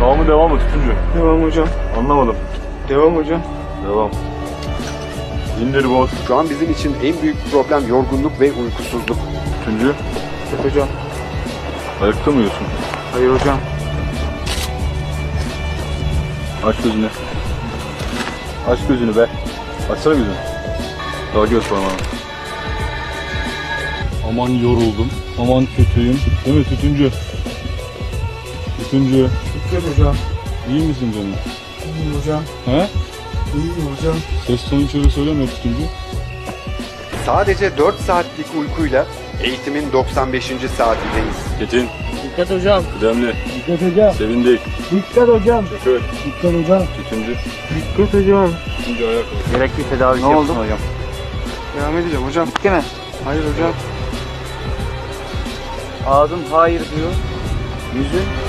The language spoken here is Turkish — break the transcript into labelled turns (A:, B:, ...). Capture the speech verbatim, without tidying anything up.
A: Sağ mı devam mı tutuncu?
B: Devam hocam.
A: Anlamadım.
B: Devam hocam.
A: Devam. İndir bot.
C: Şu an bizim için en büyük problem yorgunluk ve uykusuzluk.
A: Tutuncu.
B: Evet hocam.
A: Ayakta mı uyuyorsun?
B: Hayır hocam.
A: Aç gözünü. Aç gözünü be. Açsana gözünü. Daha göz parmağını. Aman yoruldum. Aman kötüyüm. Değil mi tutuncu? Tutuncu.
B: Dikkat hocam.
A: İyi misin canım?
B: İyiyim hocam.
A: He?
B: İyiyim hocam.
A: Ses tonu içeri söyleme tutuncu.
C: Sadece dört saatlik uykuyla eğitimin doksan beşinci saatindeyiz.
A: Çetin.
B: Dikkat hocam.
A: Kıdemli.
B: Dikkat hocam.
A: Sevindik.
B: Dikkat hocam.
A: Şükür.
B: Dikkat hocam.
A: Tutuncu.
B: Dikkat hocam.
A: Tutuncu ayağa kalk.
B: Gerekli tedavi
D: Ne
B: yapsın
D: oldu?
B: hocam. Devam edeceğim hocam.
D: Bitti mi?
B: Hayır hocam.
D: Ağzın hayır diyor. Yüzün